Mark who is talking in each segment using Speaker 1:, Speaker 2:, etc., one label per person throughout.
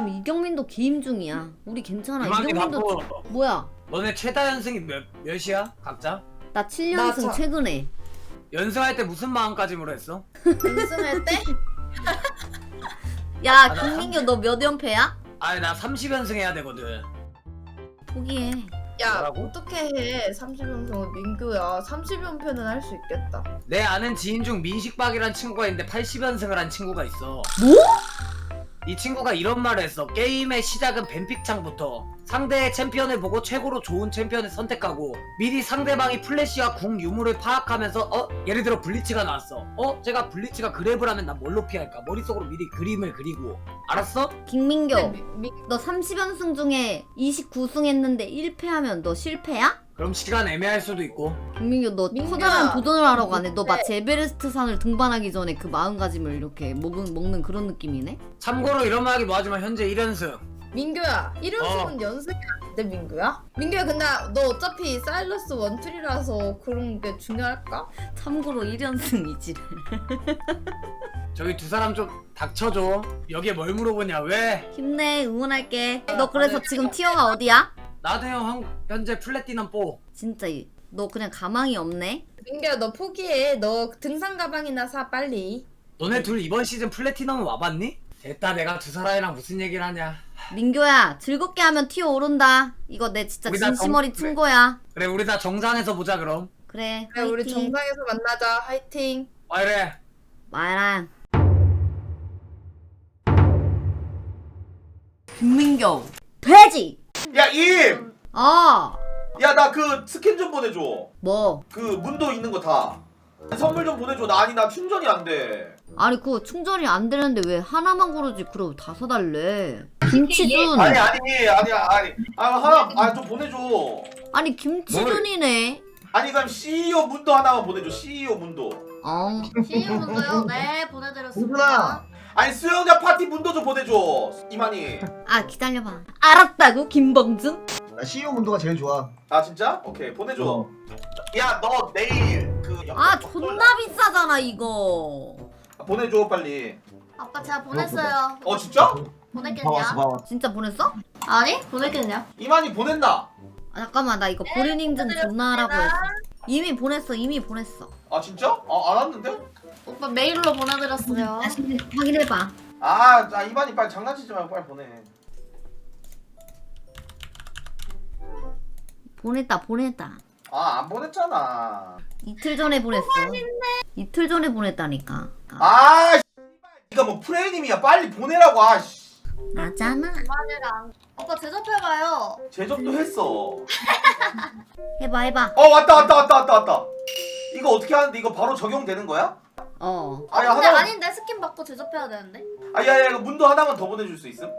Speaker 1: 지금 이경민도 게임 중이야. 우리 괜찮아.
Speaker 2: 이만기
Speaker 1: 이경민도
Speaker 2: 바빠.
Speaker 1: 뭐야?
Speaker 2: 너네 최다 연승이 몇이야? 각자?
Speaker 1: 나 7연승 최근에.
Speaker 2: 연승할 때 무슨 마음가짐으로 했어?
Speaker 3: 연승할 때?
Speaker 1: 야 김민규 너 몇 연패야?
Speaker 2: 아니 나 30연승 해야 되거든.
Speaker 1: 포기해.
Speaker 3: 야
Speaker 2: 뭐라고?
Speaker 3: 어떻게 해 30연승은 민규야 30연패는 할 수 있겠다.
Speaker 2: 내 아는 지인 중 민식박이란 친구가 있는데 80연승을 한 친구가 있어.
Speaker 1: 뭐?
Speaker 2: 이 친구가 이런 말을 했어. 게임의 시작은 뱀픽창부터 상대의 챔피언을 보고 최고로 좋은 챔피언을 선택하고 미리 상대방이 플래시와 궁 유무를 파악하면서 예를 들어 블리츠가 나왔어. 제가 블리츠가 그랩을 하면 난 뭘로 피할까? 머릿속으로 미리 그림을 그리고. 알았어?
Speaker 1: 김민규
Speaker 3: 근데
Speaker 1: 너 30연승 중에 29승 했는데 1패하면 너 실패야?
Speaker 2: 그럼 시간 애매할 수도 있고.
Speaker 1: 김민규 너
Speaker 3: 민규야.
Speaker 1: 커다란 도전을 하러 가네. 너 마치 에베레스트 산을 등반하기 전에 그 마음가짐을 이렇게 먹는 그런 느낌이네?
Speaker 2: 참고로 이런 말 하기 뭐하지만 현재 1연승.
Speaker 3: 민규야 1연승은 연승이 아닌데 민규야? 민규야 근데 너 어차피 사일러스 원툴이라서 그런 게 중요할까?
Speaker 1: 참고로 1연승이지.
Speaker 2: 저기 두 사람 좀 닥쳐줘. 여기에 뭘 물어보냐? 왜?
Speaker 1: 힘내 응원할게. 너 그래서 지금 티어가 어디야?
Speaker 2: 나도 형 현재 플래티넘 4.
Speaker 1: 진짜 너 그냥 가망이 없네?
Speaker 3: 민규야 너 포기해. 너 등산 가방이나 사 빨리.
Speaker 2: 너네 둘 이번 시즌 플래티넘 와봤니? 됐다, 내가 두 사람이랑 무슨 얘기를 하냐.
Speaker 1: 민규야 즐겁게 하면 티어 오른다. 이거 내 진짜
Speaker 2: 우리 다
Speaker 1: 진심어리
Speaker 2: 그래.
Speaker 1: 친구야.
Speaker 2: 그래, 우리 다 정상에서 보자 그럼.
Speaker 1: 그래
Speaker 3: 그래 우리
Speaker 1: 화이팅.
Speaker 3: 정상에서 만나자. 화이팅.
Speaker 2: 와 이래.
Speaker 1: 마랑 김민규 돼지.
Speaker 4: 야, 임! 야, 나 그 스캔 좀 보내줘.
Speaker 1: 뭐
Speaker 4: 그 문도 있는 거 다. 선물 좀 보내줘. 나 충전이 안 돼.
Speaker 1: 아니 그거 충전이 안 되는데 왜 하나만 고르지? 그럼 다 사달래. 김치준.
Speaker 4: 아니야. 하나, 좀 보내줘.
Speaker 1: 아니 김치준이네.
Speaker 4: 아니, 그럼 CEO 문도 하나만 보내줘. CEO 문도.
Speaker 5: 시인분도요? 네, 보내드렸습니다.
Speaker 6: 누구나.
Speaker 4: 아니, 수영장 파티 문도 좀 보내줘. 이만희.
Speaker 1: 아 기다려봐. 알았다고 김범준?
Speaker 6: 나 CEO 문도가 제일 좋아.
Speaker 4: 아, 진짜? 오케이, 보내줘. 야, 너 내일
Speaker 1: 아 존나 비싸잖아 이거.
Speaker 4: 보내줘, 빨리.
Speaker 5: 아빠 제가 보냈어요.
Speaker 4: 진짜?
Speaker 5: 보냈겠냐?
Speaker 6: 봐봤어.
Speaker 1: 진짜 보냈어?
Speaker 5: 아니, 보냈겠냐?
Speaker 4: 이만희 보냈나?
Speaker 1: 아 잠깐만 나 이거 본인 인증 존나 하라고 했어. 이미 보냈어.
Speaker 4: 아, 진짜? 안 왔는데?
Speaker 5: 오빠 메일로 보내드렸어요.
Speaker 1: 다시 확인해봐.
Speaker 4: 이만희 빨리 장난치지 말고 빨리 보내.
Speaker 1: 보냈다.
Speaker 4: 안 보냈잖아.
Speaker 1: 이틀 전에 보냈어. 이틀 전에 보냈다니까.
Speaker 4: 니가 뭐 프레임이야. 빨리 보내라고.
Speaker 1: 나잖아.
Speaker 5: 만약에 안... 오빠 제접해봐요.
Speaker 4: 제접도 했어.
Speaker 1: 해봐.
Speaker 4: 왔다. 이거 어떻게 하는데? 이거 바로 적용되는 거야?
Speaker 1: 어.
Speaker 4: 야,
Speaker 5: 근데
Speaker 4: 하나만.
Speaker 5: 아닌데 스킨 받고 제접해야 되는데?
Speaker 4: 야, 이거 문도 하나만 더 보내줄 수 있음?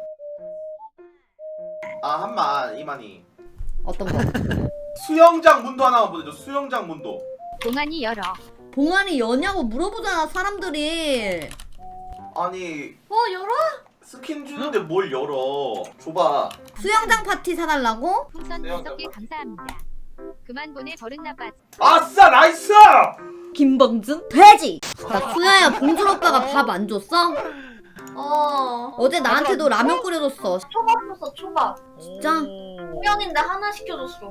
Speaker 4: 한만 이만희.
Speaker 1: 어떤 거?
Speaker 4: 수영장 문도 하나만 보내줘. 수영장 문도.
Speaker 7: 동안이 열어.
Speaker 1: 봉안이 여냐고 물어보잖아 사람들이.
Speaker 4: 아니,
Speaker 5: 열어?
Speaker 4: 스킨 주는데 뭘 열어? 줘봐.
Speaker 1: 수영장 파티 사달라고?
Speaker 7: 풍선
Speaker 4: 네,
Speaker 7: 5개 감사합니다. 그만 보내 버릇 나빠.
Speaker 4: 아싸, 나이스!
Speaker 1: 김범준? 돼지! 나 수야야 봉준 오빠가 밥 안 줬어? 어제 나한테도 라면 끓여줬어.
Speaker 5: 초밥 줬어, 초밥.
Speaker 1: 진짜?
Speaker 5: 공연인데 하나 시켜줬어.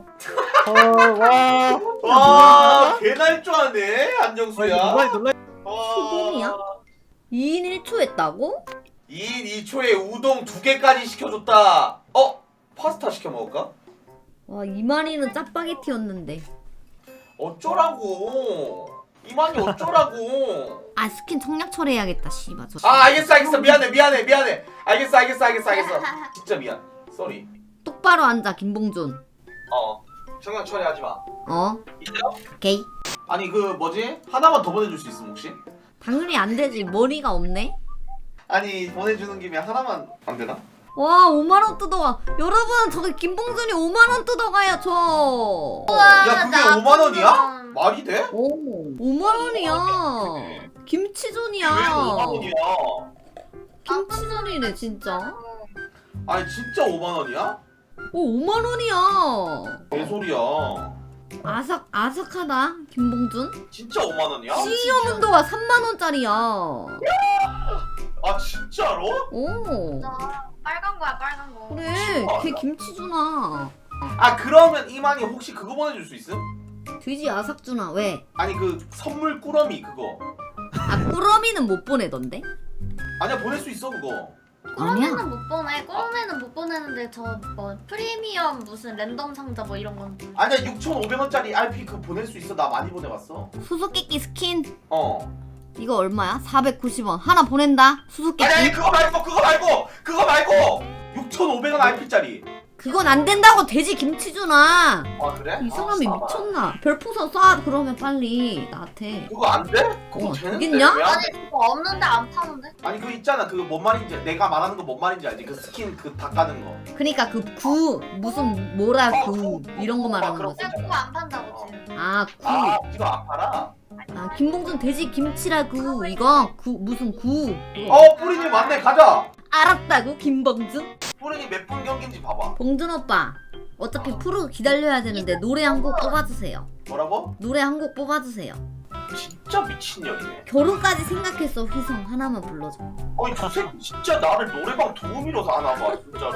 Speaker 4: 와, 개날 줄 아네, 안정수야.
Speaker 1: 수봉이야? 2인 1초 했다고?
Speaker 4: 2인 2초에 우동 2개까지 시켜줬다. 파스타 시켜 먹을까?
Speaker 1: 와 이만희는 짜파게티였는데.
Speaker 4: 어쩌라고. 이만희 어쩌라고.
Speaker 1: 아 스킨 청약 처리해야겠다 씨발.
Speaker 4: 알겠어. 미안해. 알겠어. 진짜 미안. 쏘리.
Speaker 1: 똑바로 앉아 김봉준.
Speaker 4: 청약 처리하지 마.
Speaker 1: 오케이.
Speaker 4: 아니, 그 뭐지? 하나만 더 보내줄 수 있음 혹시?
Speaker 1: 당연히 안 되지. 머리가 없네.
Speaker 4: 아니, 보내주는 김에 하나만 안 되나?
Speaker 1: 와 5만원 뜯어가. 여러분 저기 김봉준이 5만원 뜯어가요 저.
Speaker 4: 야, 그게 5만 원이야? 말이 돼?
Speaker 1: 오 5만원이야. 김치전이야.
Speaker 4: 왜 5만 원이야?
Speaker 1: 김치전이네 진짜.
Speaker 4: 아니, 진짜 5만 원이야?
Speaker 1: 오 5만원이야.
Speaker 4: 개소리야.
Speaker 1: 아삭하다 김봉준.
Speaker 4: 진짜 5만 원이야?
Speaker 1: CEO 문도가 3만원짜리야.
Speaker 4: 진짜로?
Speaker 1: 오.
Speaker 5: 빨간 거야 빨간 거.
Speaker 1: 그래 걔 김치준아.
Speaker 4: 아 그러면 이만희 혹시 그거 보내줄 수 있음?
Speaker 1: 돼지 아삭준아 왜?
Speaker 4: 아니 그 선물 꾸러미 그거.
Speaker 1: 아 꾸러미는 못 보내던데?
Speaker 4: 아니야 보낼 수 있어 그거.
Speaker 1: 아니야.
Speaker 5: 꼬르메는 못 보내. 꼬르메는 못 보내는데 저 뭐 프리미엄 무슨 랜덤 상자 뭐 이런 건.
Speaker 4: 아니야 6,500원짜리 RP 그거 보낼 수 있어. 나 많이 보내봤어.
Speaker 1: 수수께끼 스킨
Speaker 4: 어.
Speaker 1: 이거 얼마야? 490원 하나 보낸다. 수수께끼.
Speaker 4: 아니 그거 말고 6,500원 RP짜리.
Speaker 1: 그건 안 된다고 돼지 김치준아.
Speaker 4: 아 그래?
Speaker 1: 이 사람이
Speaker 4: 아,
Speaker 1: 미쳤나? 별풍선 쏴 그러면 빨리 나한테.
Speaker 4: 그거 안 돼? 그거
Speaker 1: 어,
Speaker 4: 되는데
Speaker 1: 되겠냐?
Speaker 4: 왜 안
Speaker 5: 아니 그거 없는데 안 파는데?
Speaker 4: 아니 그거 있잖아 그거 뭔 말인지 내가 말하는 거 뭔 말인지 알지? 그 스킨 그 다 까는 거.
Speaker 1: 그러니까 그 구 무슨 뭐라 구 이런 거 말하는
Speaker 4: 그럼.
Speaker 1: 거지.
Speaker 5: 그냥 그거 안 판다고 지금.
Speaker 1: 아 구.
Speaker 4: 아 이거 안 팔아?
Speaker 1: 아 김봉준 돼지 김치라고 이거 구 무슨 구.
Speaker 4: 뿌리님 맞네 가자.
Speaker 1: 알았다고 김봉준?
Speaker 4: 뿌리님 몇 분 경기인지 봐봐.
Speaker 1: 봉준 오빠 어차피 프로 기다려야 되는데 노래 한 곡 뽑아주세요.
Speaker 4: 뭐라고?
Speaker 1: 노래 한 곡 뽑아주세요.
Speaker 4: 진짜 미친년이네.
Speaker 1: 결혼까지 생각했어. 휘성 하나만 불러줘.
Speaker 4: 아니 저 새끼 진짜 나를 노래방 도우미로서 하나 봐 진짜로.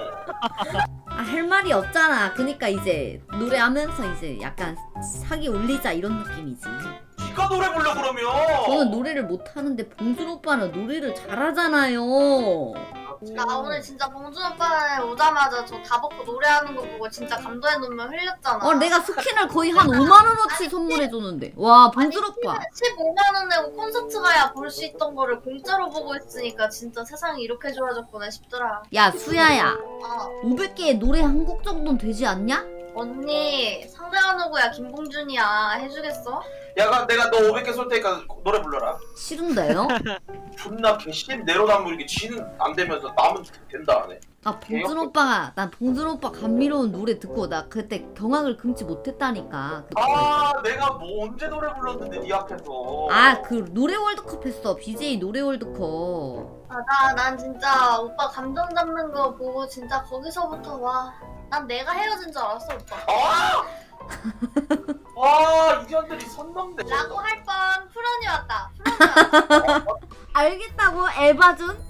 Speaker 1: 아 할 말이 없잖아. 그니까 이제 노래하면서 이제 약간 사기 올리자 이런 느낌이지.
Speaker 4: 니가 노래 불러 그러면.
Speaker 1: 저는 노래를 못하는데 봉준 오빠는 노래를 잘하잖아요.
Speaker 5: 나 오늘 진짜 봉준 오빠 오자마자 저 다 벗고 노래하는 거 보고 진짜 감동의 눈물 흘렸잖아.
Speaker 1: 내가 스킨을 거의 한 5만원어치 선물해줬는데. 와 봉준 오빠.
Speaker 5: 15만 원 내고 콘서트 가야 볼 수 있던 거를 공짜로 보고 있으니까 진짜 세상이 이렇게 좋아졌구나 싶더라.
Speaker 1: 야 수야야.
Speaker 5: 아
Speaker 1: 500개의 노래 한 곡 정도는 되지 않냐?
Speaker 5: 언니 상대가 누구야? 김봉준이야. 해주겠어?
Speaker 4: 야 그럼 내가 너 500개 쏠 테니까 노래 불러라.
Speaker 1: 싫은데요?
Speaker 4: 존나 개심 내로남불이게 지는 안 되면서 남은 된다 안 해.
Speaker 1: 아 봉준 오빠가 난 봉준 오빠 감미로운 노래 듣고 나 그때 경악을 금치 못했다니까. 그때.
Speaker 4: 아 내가 뭐 언제 노래 불렀는데 네 앞에서.
Speaker 1: 아 그 노래 월드컵 했어. BJ 노래 월드컵.
Speaker 5: 난 진짜 오빠 감정 잡는 거 보고 진짜 거기서부터 와. 난 내가 헤어진 줄 알았어 오빠.
Speaker 4: 아! 와 이년들이 선 넘네.
Speaker 5: 라고 할 뻔 푸른이 왔다. 푸른이 왔다.
Speaker 1: 알겠다고 에바준?